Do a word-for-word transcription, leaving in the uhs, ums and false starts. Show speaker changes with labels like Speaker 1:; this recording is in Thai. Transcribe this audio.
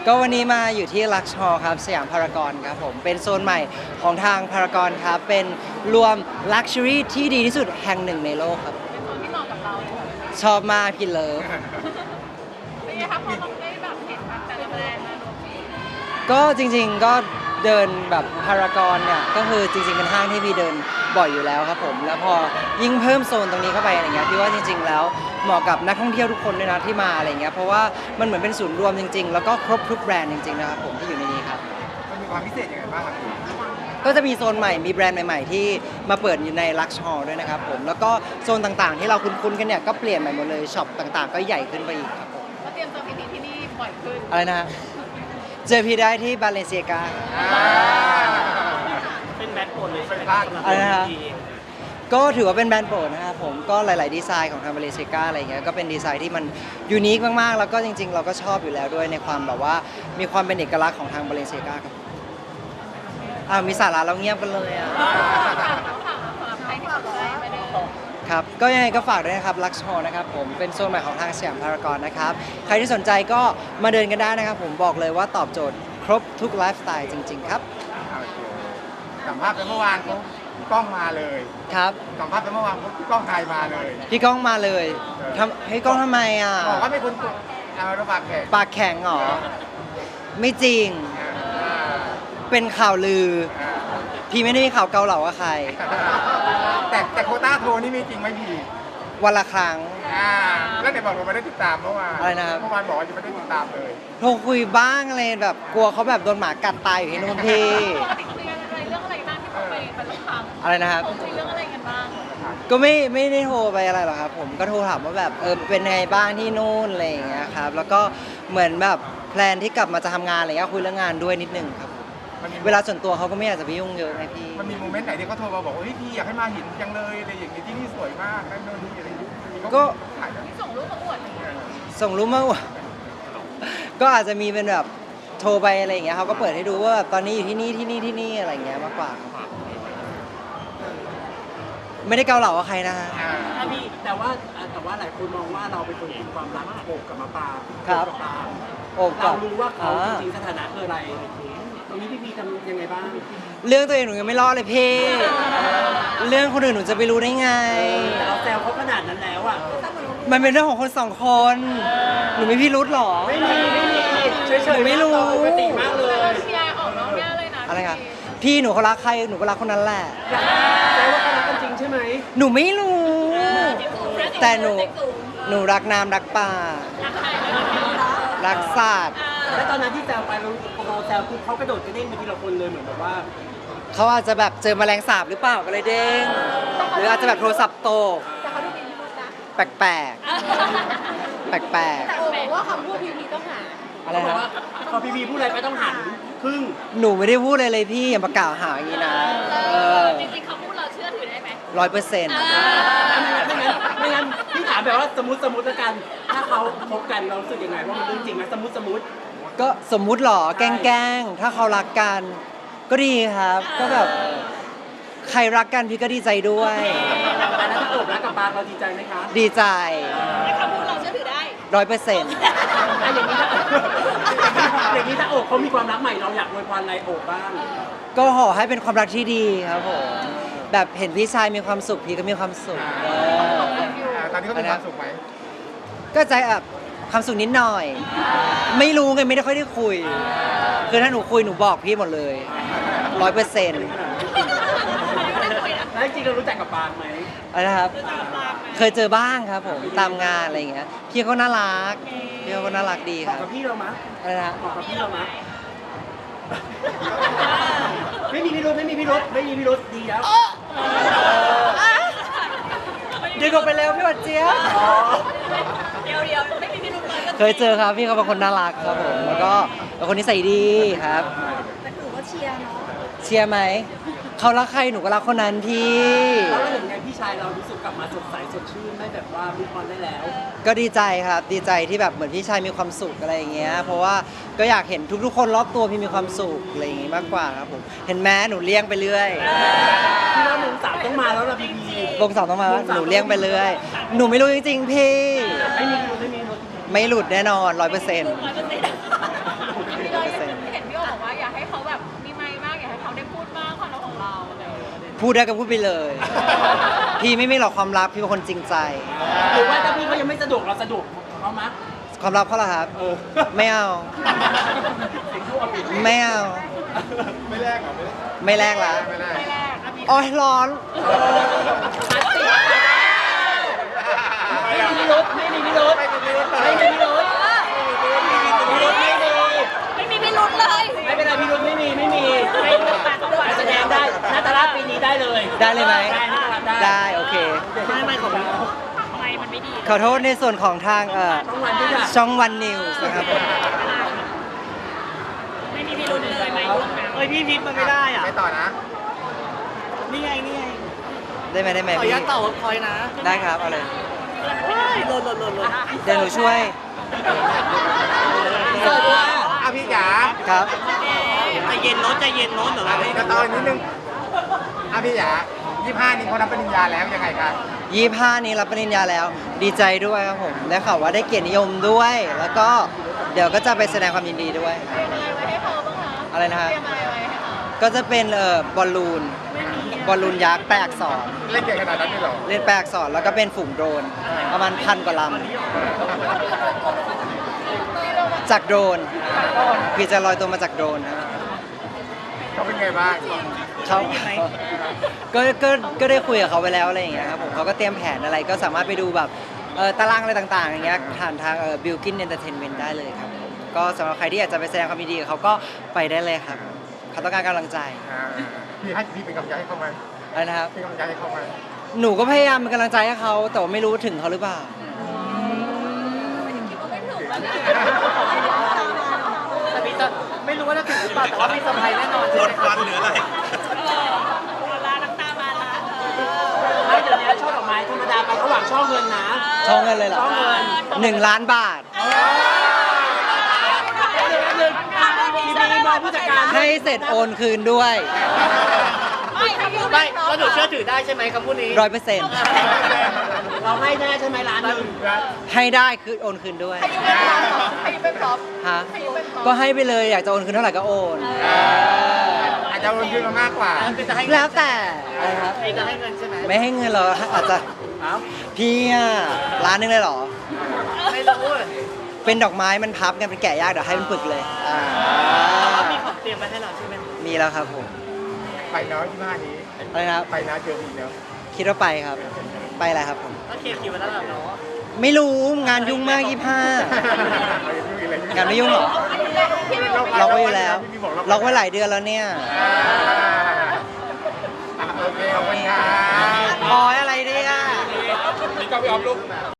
Speaker 1: ก็วันนี้มาอยู่ที่ลักชอครับสยามพารากอนครับผมเป็นโซนใหม่ของทางพารากอนครับเป็นรวมลักชัวรี่ที่ดีที่สุดแห่งหนึ่งในโลกครับ
Speaker 2: เป็นโซนที่เหมาะกับเราเลยค่ะ
Speaker 1: ชอบมากพี่เลิฟ
Speaker 2: เป็นไงคะพอเราได้แบบเห็นแบบแต่ละแบรนด์มารวมกัน
Speaker 1: ก็จริงๆก็เดินแบบพารากอนเนี่ยก็คือจริงๆเป็นห้างที่พี่เดินบ่อยอยู่แล้วครับผมแล้วพอยิ่งเพิ่มโซนตรงนี้เข้าไปอะไรเงี้ยพี่ว่าจริงๆแล้วเหมาะกับนักท่องเที่ยวทุกคนด้วยนะที่มาอะไรเงี้ยเพราะว่ามันเหมือนเป็นศูนย์รวมจริงๆแล้วก็ครบทุกแบรนด์จริงๆนะครับผมที่อยู่ในนี้ครับ
Speaker 3: มันมีความพิเศษยังไงบ้างครับคุณ
Speaker 1: ก็จะมีโซนใหม่มีแบรนด์ใหม่ๆที่มาเปิดอยู่ในลักชอด้วยนะครับผมแล้วก็โซนต่างๆที่เราคุ้นๆกันเนี่ยก็เปลี่ยนใหม่หมดเลยช็อปต่างๆก็ใหญ่ขึ้นไปอีกครับผม
Speaker 2: ก็เตรียมตัวไปที่นี่บ่อยขึ้น
Speaker 1: อะไรนะฮะเจอพี่ได้ที่บาเลเซียกา
Speaker 4: เป็นแบรนด์โปรดเลยใช่ไหม
Speaker 1: อะไรนะฮะก็ถือว่าเป็นแบรนด์โปรดนะครับผมก็หลาย ๆ ดีไซน์ของทางบาเลเซียกาอะไรเงี้ยก็เป็นดีไซน์ที่มันยูนิคมาก ๆ แล้วก็จริง ๆ เราก็ชอบอยู่แล้วด้วยในความแบบว่ามีความเป็นเอกลักษณ์ของทางบาเลเซียกาครับอ่ามีสาระเราเงียบกันเลยอ่ะ
Speaker 2: ต้องถามสำหรับใครที่สนใจไปเดิน
Speaker 1: ครับก็ยังไงก็ฝากด้วยนะครับลักชอนะครับผมเป็นโซนใหม่ของทางสยามพารากอนนะครับใครที่สนใจก็มาเดินกันได้นะครับผมบอกเลยว่าตอบโจทย์ครบทุกไลฟ์สไตล์จริง ๆ ครับ
Speaker 3: โอเคสัมภาษณ์ไปเมื่อวานเขาพี่ก้องมาเลย
Speaker 1: ครับ
Speaker 3: สัมภาษณ์ไปเมื่อวานพี่ก้องไทยมาเลย
Speaker 1: พี่ก้องมาเลยทำให้ก้องทำไมอ่ะ
Speaker 3: บอกว่าเป็นคนตัวเอาระบาดแขก
Speaker 1: ปากแข็งเหรอไม่จริงเป็นข่าวลือ พี่ไม่ได้มีข่าวเกาเหลากับใคร
Speaker 3: แต่แต่โควต้าโทรนี่มีจริงไหมพี่
Speaker 1: วันละครั้ง
Speaker 3: อ่าแล้วไหนบอกว่าไม่ได้ติดตามเมื่อวาน
Speaker 1: อะไรนะครับ
Speaker 3: เมื่อวานบอกว่ายังไม่ได้ติดตามเลย
Speaker 1: โทรคุยบ้างอะไรแบบกลัวเขาแบบโดนหมากัดตายอยู่ที่นู่นพี่
Speaker 2: ปกติคุยกันอะไรเรื่องอะไรบ้างที่เขาไปไปรับฟัง
Speaker 1: อะไรนะครับ
Speaker 2: เขาคุยเรื่องอะไรกันบ้าง
Speaker 1: ก็ไม่ไม่ได้โทรไปอะไรหรอกครับผมก็โทรถามว่าแบบเออเป็นไงบ้างที่นู่นอะไรอย่างเงี้ยครับแล้วก็เหมือนแบบแพลนที่กลับมาจะทำงานอะไรเงี้ยคุยเรื่องงานด้วยนิดนึงครับ
Speaker 3: มันมี
Speaker 1: เวลาส่วนตัวเขาก็ไม่อยากจะไปยุ่งเยอะไงพี่
Speaker 3: มันมีโมเมนต์ไหนที่เขาโทรมาบอกว่าเฮ้ยพี่อยากให้มาเห็นจังเลยอะไรอย่างเงี้ยที่นี่สวยมากนั่นโน่นนี่อะไรอย่างเงี้ย
Speaker 1: ก็
Speaker 3: ถ่ายแบบ
Speaker 2: ที่ส่งรูปมาอวดอย่างเงี้ย
Speaker 1: ส่งรูปมาว่า ก็อาจจะมีเป็นแบบโทรไปอะไรอย่างเงี้ยเขาก็เปิดให้ดูว่าแบบตอนนี้อยู่ที่นี่ที่นี่ที่นี่อะไรอย่างเงี้ยมากกว่าครับไม่ได้เกาเหลากับใครนะฮะ
Speaker 3: อ่า
Speaker 4: ถ้าพี่แต่ว่าแต่ว่าหลายคนมองว่าเราเป็นคนมีความรักโอบกับมะปราง
Speaker 1: ครับ
Speaker 4: โอบกับปราง
Speaker 1: โอบกั
Speaker 4: เรา
Speaker 1: บ
Speaker 4: รู้ว่าเขา
Speaker 1: อ่า
Speaker 4: จริงๆสถานะคืออะไรตรงนี้พี่พีทำยังไงบ้าง
Speaker 1: เรื่องตัวเองหนูยังไม่รอดเลยพี่ เรื่องคนอื่นหนูจะไปรู้ได้ไง
Speaker 4: แต่เราแซวเขาขนาดนั้นแล้วอ่ะ
Speaker 1: มันเป็นเรื่องของคนสองคน หนูไม่พี่รุธหรอ
Speaker 4: ไม่มีไม่มีเฉย
Speaker 1: หนู
Speaker 4: ๆ
Speaker 1: ไม่รู้
Speaker 4: ปกติมากเลย
Speaker 2: เราเชียร์ออกนอกแง่เลยนะ
Speaker 1: อะไรครับพี่หนูเขารักใครหนูก็รักคนนั้นแหละ
Speaker 4: แซวว่าเขารักกันจริงใช่ไหม
Speaker 1: หนูไม่รู้ แต่หนูหนูรักน้ำรักป่า รักสัตว์
Speaker 4: แล้วตอนนั้นที่แซวไปเราพอเราแซวปุ๊บเขากระโดดกระเด้งไปทีละคนเลยเหมือนแบบว่า
Speaker 1: เขาอาจจะแบบเจอแมลงสาบหรือเปล่าก็เลยเด้ง หรืออาจจะแบบโทรศัพท์ตก
Speaker 2: แต่เขาดูมีพิรุธนะ
Speaker 1: แปลกๆ แปลก
Speaker 2: แต่โอ้บอกว่าคำพูดพีพีต้องหา
Speaker 1: ๆ อะไร
Speaker 4: เขาบอก
Speaker 1: นะ
Speaker 4: ว่าพอพีพีพูดอะไรไปต้องหันครึ่ง
Speaker 1: หนูไม่ได้พูดเลยเลยพี่อย่ามากล่าวหาอย่างนี้นะเออ
Speaker 2: จริงๆคำพูดเราเชื่อถือได้ไหม
Speaker 1: ร้อยเปอร์เซ็นต์
Speaker 4: ไม่งั้นไม่งั้นพี่ถามแบบว่าสมมติสมมติแล้วกัน ถ้าเขาคบกันเรารู้สึกยังไงว่ามันเรื่องจริงไหมสมมติสมมติ
Speaker 1: ก็สมมุติหรอแกล้งๆ ถ้าเขารักกัน ก็ดีครับ ก็แบบใครรักกันพี่ก็ดีใจด้วย
Speaker 4: อันนั้นถ้าโอบรักกับปางเราดีใจไหมคะ
Speaker 1: ดีใจ
Speaker 2: คำพูดเราเชื่อถือได้
Speaker 1: ร้อยเปอร์เซ็นต์
Speaker 4: อ่ะอย่างนี้ถ้าอย่างนี้ถ้าโอบเขามีความรักใหม่เราอยากอวยพรอะไรโอบบ้าง
Speaker 1: ก็ขอให้เป็นความรักที่ดีครับผม แบบเห็นพี่ชายมีความสุขพี่ก็มีความสุขเออ
Speaker 3: อ่าตอนนี้เขามีความสุขไหม
Speaker 1: ก็ใจแบบความสุขนิดหน่อย ไม่รู้ไงไม่ได้ค่อยได้คุย คือถ้าหนูคุยหนูบอกพี่หมดเลยร้อยเปอร์เซ็นต์
Speaker 4: แล้วจริงๆเรารู้จักกับปางไหม
Speaker 1: อะไรนะครับ เคยเจอบ้างครับผมตามงานอะไรอย่างเงี้ยพี่เขาน่ารักพี่เขาก็น่ารักดี
Speaker 4: บ
Speaker 1: ค
Speaker 4: อก
Speaker 1: รั
Speaker 4: กับบ พี่เรามะ
Speaker 1: อะไรนะ
Speaker 4: บอกกับพี่เรามะไม่มีพิรุธไม่มีพิรุธไม่มีพิรุธดีแล้ว
Speaker 1: ดึงออกไปเร็วพี่หวัดเจี๊ยบ
Speaker 2: เดียวเดียวไม่มีพิรุธเลย
Speaker 1: เคยเจอครับพี่เขาเป็นคนน่ารักครับผมแล้วก็เป็นคนนิสัยดีครับ
Speaker 2: แต่ถือว่าเชียร์เนาะ
Speaker 1: เชียร์ไหมเขารักใครหนูก็รักคนนั้นพี่
Speaker 4: แล้วเราเห็นไงพี่ชายเรารู้สึกกลับมาสดใสสดชื่นไม่แบบว่ามุกออนได้แล้ว
Speaker 1: ก็ดีใจครับดีใจที่แบบเหมือนพี่ชายมีความสุขอะไรอย่างเงี้ยเพราะว่าก็อยากเห็นทุกๆคนรอบตัวพี่มีความสุขอะไรอย่างงี้มากกว่าครับผมเห็นแม้หนูเลี้ยงไปเรื่อย
Speaker 4: พี่ว่ามงสามต้องมาแล้วล่ะพี่พี
Speaker 1: วงสองต้องมาว่าหนูเลี้ยงไปเรื่อยหนูไม่รู้จริงๆพี่
Speaker 4: ไม่มีพิรุธไม่มีพิรุธ
Speaker 1: ไม่หลุดแน่นอนร้อยเปอร์เซ็นต์
Speaker 2: ร้อยเปอร์เซ็นต์
Speaker 1: พูดได้ก็พูดไปเลย พี่ไม่มีหรอกความลับพี่เป็นคนจริงใจ
Speaker 4: หรือว่าถ้าพี่เขายังไม่สะดวกเราสะดวกเขามะ
Speaker 1: ความลับเขาเหรอครับ
Speaker 4: เออ
Speaker 1: ไม่เอา
Speaker 4: สิ่งที่ว่าผิด
Speaker 1: ไม่เอา
Speaker 3: ไม่แลกเหรอไม่แลก
Speaker 1: ไม่แลกละ
Speaker 3: ไม่แลก
Speaker 2: ไม่แรกนะพี่
Speaker 1: โอ้ยร้อน
Speaker 4: ไม่มีพิรุธไม่มีพิรุธไม่มีพิรุธไม่มีพิรุธไม่มีพิรุธไม่มี
Speaker 2: ไม่มีพิรุธเลย
Speaker 4: ไม่เป็นไรพิรุธไม่มีไม่มีไม่แสดงได้นาตาลาปีนี้ได้เลย
Speaker 1: ได้เลยไหม
Speaker 4: ได้นาตาลาได้
Speaker 1: ได้โอเค
Speaker 4: ไม่ไม่ของพี่
Speaker 2: ทำไมมันไม่ดี
Speaker 1: ขอโทษในส่วนของทางเอ่อ
Speaker 4: ต้องวันที่จะ
Speaker 1: ช่องวันนิวส์นะครับผม
Speaker 2: ไม่มีพิรุธเลยไหมลูกนะ
Speaker 4: เอ้ยพี่พิษมันไม่ได้อ่ะ
Speaker 3: ไม่ต่อนะ
Speaker 4: นี่ไงนี่ไง
Speaker 1: ได้ไหมได้ไหม
Speaker 4: ขออนุ
Speaker 1: พี่
Speaker 4: ญาตต่อคอยนะ
Speaker 1: ได้ครับเอาเลย
Speaker 4: โดนโดนโดนโดน
Speaker 1: เดี๋ยวหนูช่วย
Speaker 4: เสิร์ฟว่า
Speaker 3: อ่ะพี่จ๋า
Speaker 1: ครับ
Speaker 4: ใจเย็นโน้ตใจเย็นโน้ตเหรอ
Speaker 3: อันนี้ก็ต่ออีกนิดนึงอ่ะพี่จ๋ายี่ห้านี้เขารับปริญญาแล้วยังไงครับ
Speaker 1: ยี่ห้านี้รับปริญญาแล้ว ดีใจด้วยครับผมได้ข่าวว่าได้เกียรตินิยมด้วย แล้วก็เดี๋ยวก็จะไปแสดงความยินดีด้วย
Speaker 2: เตรียมอะไรไว้ให้เขาบ้างคะ
Speaker 1: อะไรนะฮะ
Speaker 2: เตรียมอะไรไว้ให้เขา
Speaker 1: ก็จะเป็นเอ่อบอลลูน บอลลูนยักษ์แปลอักษร
Speaker 3: เล่นเก่งขนาดนั้นเลยเหรอ
Speaker 1: เล่นแปลอักษรแล้วก็เป็นฝูงโดรน ประมาณพันกว่าลำจากโดรนพี่จะลอยตัวมาจากโดรนนะ
Speaker 3: เขาเป็นไงบ้าง
Speaker 1: เขาก็ก็ก็ได้คุยกับเขาไปแล้วอะไรอย่างเงี้ยครับผมเขาก็เตรียมแผนอะไรก็สามารถไปดูแบบเอ่อตารางอะไรต่างๆอย่างเงี้ยผ่านทางเอ่อบิลกินเอนเตอร์เทนเมนต์ได้เลยครับผมก็สำหรับใครที่อยากจะไปแสดงความยินดีกับเขาก็ไปได้เลยครับเขาต้องการกำลังใจ
Speaker 3: อ่าพี่ให้พี่เป็นกำลังใจให้เขาไหม
Speaker 1: อะไรนะครับ
Speaker 3: เป็นกำลังใจให้เขาไหม
Speaker 1: หนูก็พยายามเป็นกำลังใจให้เขาแต่ว่าไม่รู้ถึงเขาหรือเปล่า
Speaker 4: แต่มีจะไม่รู้ว่าจะถึงหรือเปล่าแต่ว่ามีเซอร์ไพรส์แน่นอนใช่ไหมครับ
Speaker 2: ลาน้ำตามาละ
Speaker 4: ไม่เดี๋ยวนี้ช่อดอกไม้ธรรมดาไปเขาหวังช่อเงินนะ
Speaker 1: ช่องเงินเลยเหรอ
Speaker 4: ช่องเงิน
Speaker 1: หนึ่งล้านบาท
Speaker 4: มีมีบอกผู้จัดการ
Speaker 1: ให้เสร็จโอนคืนด้วย
Speaker 2: ไม่คำพูด
Speaker 4: ไม่แล้วหนูเชื่อถือได้ใช่ไหมคำพูดนี้
Speaker 1: ร้อยเปอร์เซ็นต์
Speaker 4: เราให้แน่ใช่ไหมร้านหนึ่ง
Speaker 1: ให้ได้คือโอนคืนด้วย
Speaker 2: ให้ยูเป็นพร็อพ
Speaker 1: ฮะ
Speaker 2: ให้ยูเป็นพร็อพ
Speaker 1: ก็ให้ไปเลยอยากจะโอนคืนเท่าไหร่ก็โอน
Speaker 3: อาจจะวนยืนมามากกว่า
Speaker 4: จะให้
Speaker 1: แล้วแต่อะไรครับ
Speaker 4: จะให้เงินใช่ไหม
Speaker 1: ไม่ให้เงินเราอาจจะ
Speaker 4: อ้าว
Speaker 1: พี่อะร้านนึงเลยเหรอ
Speaker 4: ไม่รู้
Speaker 1: เป็นดอกไม้มันพับกันเป็นแกะยากเดี๋ยวให้เป็นปึกเลยอ่า
Speaker 4: มีของเตรียมมาให้เราใช่ไหม
Speaker 1: มีแล้วครับผม
Speaker 3: ไปเนาะยี่ห้านี้
Speaker 1: อะไรนะครับ
Speaker 3: ไปนะเจอพี่เนาะ
Speaker 1: คิดว่าไปครับ ไปอะไรครับผม
Speaker 4: ก็เคลียร์คิวไว้แล้วเหรอเนาะ
Speaker 1: ไม่รู้งานยุ่งมากยี่ห้า งานไม่ยุ่งเหรอ ล็อกไว้อยู่แล้ว ล็อกไว้หลายเดือนแล้วเนี่ย
Speaker 3: อ่ะโอเคขอบคุณครับ
Speaker 1: อ๋ออะไรเนี่ย
Speaker 3: นี่ก็พี่ออฟลูก